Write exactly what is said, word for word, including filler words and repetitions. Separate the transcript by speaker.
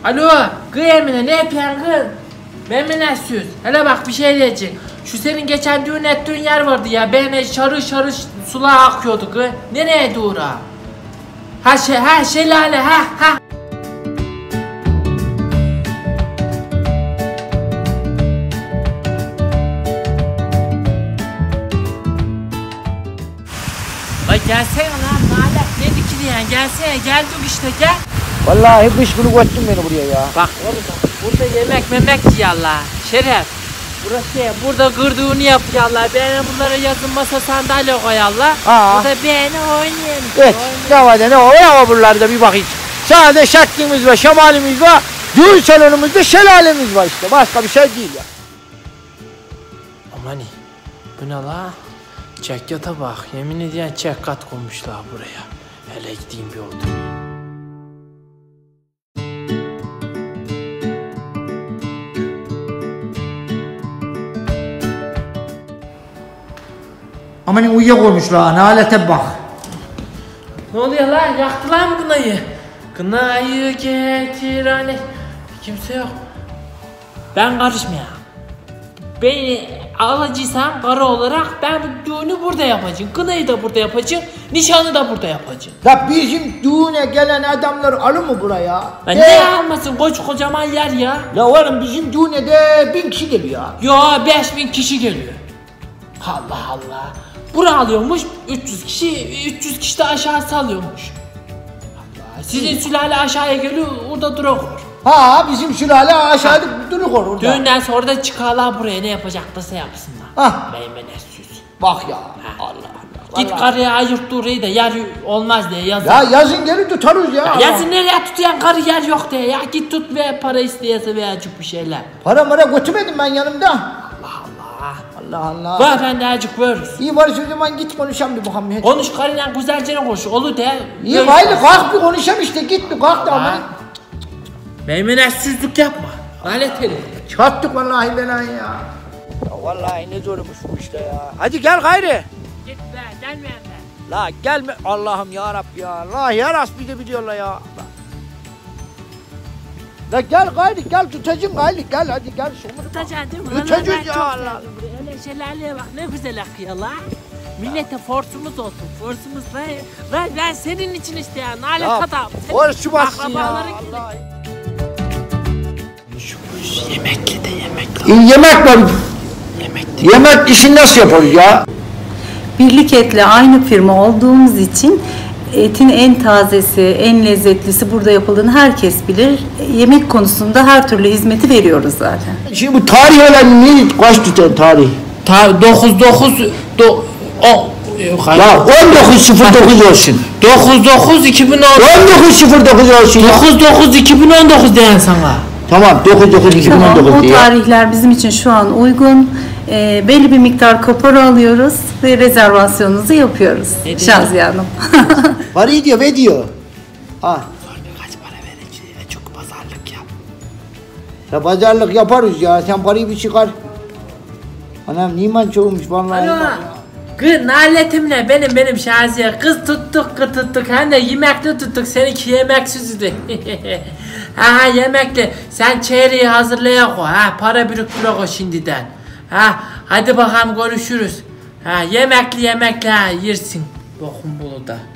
Speaker 1: Alo, kız Emine ne yapıyorsun kız? Memnun süz. Hele bak bir şey diyeceğim. Şu senin geçen düğün ettiğin yer vardı ya. Benim şarı şarı sular akıyordu kız. Nereye doğru? Ha şey, ha şelale, ha ha. Vay gelsene lan Nalet, ne dikiliyen, gelsene, geldik işte gel.
Speaker 2: Vallahi kış günü koydun beni buraya ya.
Speaker 1: Bak oğlum burada yemek memek yiyorlar. Şeref. Burası burada gırdığını yapıyorlar. Beğene bunlara yazın masa sandalye koyarlar.
Speaker 2: Aa.
Speaker 1: Burada beğene oynayalım.
Speaker 2: Evet. Ne var ne var ya buralarda bir bakayım. Sadece şaklimiz var, şemalimiz var. Düğün salonumuzda şelalemiz var işte. Başka bir şey değil ya.
Speaker 1: Amani. Bu ne la? Çekyata bak. Yemin ediyorum çekkat koymuşlar buraya. Hele gideyim bir oldu.
Speaker 2: Aman uyuyakoymuşlar, nalete bak.
Speaker 1: Ne oluyor lan? Yaktılar mı kınayı? Kınayı getir hani. Kimse yok. Ben karışmayayım. Beni alacaksan karı olarak ben bu düğünü burada yapacağım. Kınayı da burada yapacağım. Nişanı da burada yapacağım.
Speaker 2: Ya bizim düğüne gelen adamlar alır mı buraya?
Speaker 1: Ben ne almasın? Koç kocaman yer ya.
Speaker 2: Ya oğlum bizim düğüne de bin kişi geliyor.
Speaker 1: Yo beş bin kişi geliyor. Allah Allah. Bura alıyormuş üç yüz kişi, üç yüz kişi de aşağısı alıyormuş. Allah. Sizin sülale aşağıya geliyor, orada duruyor.
Speaker 2: Ha bizim sülale aşağıda duruyor orada.
Speaker 1: Düğünden sonra da çıkarlar buraya, ne yapacaklarsa yapsınlar.
Speaker 2: Hah.
Speaker 1: Meymenesiz.
Speaker 2: Bak ya.
Speaker 1: Ha.
Speaker 2: Allah Allah.
Speaker 1: Git
Speaker 2: vallahi.
Speaker 1: karıya ayırt orayı da yer olmaz diye yazın.
Speaker 2: Ya yazın geri tutarız ya.
Speaker 1: Ya yazın nereye tutuyan karı yer yok diye ya, git tut ve para isteyese veya acık bir şeyler.
Speaker 2: Para mara götürmedim ben yanımda.
Speaker 1: Allah Allah.
Speaker 2: Allah Allah.
Speaker 1: Var ben de acık veririz.
Speaker 2: İyi var o zaman git konuşalım bir bakalım.
Speaker 1: Konuş karıyla güzelce konuş, olur de.
Speaker 2: İyi haydi kalk bir konuşalım işte, git bir kalk da ama.
Speaker 1: Meymenetsizlik yapma. Lanet herif.
Speaker 2: Çattık vallahi belayı ya. Ya vallahi ne zormuş bu işte ya. Hadi gel gayri.
Speaker 1: Git be, gelmeyen be.
Speaker 2: La gelme Allah'ım ya Rabbi ya. Allah ya Rabbi de biliyorlar ya. La gel gayri gel tutacağım gayri gel hadi gel.
Speaker 1: Tutacaksın değil mi?
Speaker 2: Tutacağız ya Allah.
Speaker 1: Öyle şelaleye bak ne güzel akıyor la. Millete forsumuz olsun, forsumuz la. Ben, ben senin için işte ya, nalet adam.
Speaker 2: Forsu bassın ya.
Speaker 1: Allah. Şu, şu yemekli de yemekli.
Speaker 2: E, yemek var.
Speaker 1: Yemekli.
Speaker 2: Yemek işini nasıl yaparız ya?
Speaker 3: Birlik Et'le aynı firma olduğumuz için etin en tazesi, en lezzetlisi burada yapıldığını herkes bilir. Yemek konusunda her türlü hizmeti veriyoruz zaten.
Speaker 2: Şimdi bu tarih olan ne? Kaç tutar tarih?
Speaker 1: Ta dokuz dokuz do o
Speaker 2: Ya on dokuz sıfır dokuz olsun.
Speaker 1: dokuz dokuz iki bin on
Speaker 2: on dokuz sıfır dokuz olsun ya.
Speaker 1: dokuz dokuz iki bin on dokuz diyen sana.
Speaker 2: Tamam dokuz dokuz iki bin on dokuz
Speaker 3: Tamam, o
Speaker 2: diye.
Speaker 3: tarihler bizim için şu an uygun. E, belli bir miktar kapora alıyoruz ve rezervasyonunuzu yapıyoruz. Şaziye Hanım.
Speaker 2: Parayı diyor ve diyor. Ha.
Speaker 1: Kaç para vereceğim? Çok pazarlık yap.
Speaker 2: Ya pazarlık yaparız ya. Sen parayı bir çıkar. Anam niman çoğumuş vallahi.
Speaker 1: Alo. Kız naletimle benim benim Şaziye. Kız tuttuk kız tuttuk. Hem de yemekli tuttuk. Seninki yemeksizdi. Ha yemekli. Sen çeyreği hazırlaya koy. Ha para biriktire koy şimdiden. Ha hadi bakalım görüşürüz. Ha yemekli yemekli ha yersin. Bokun bulu da.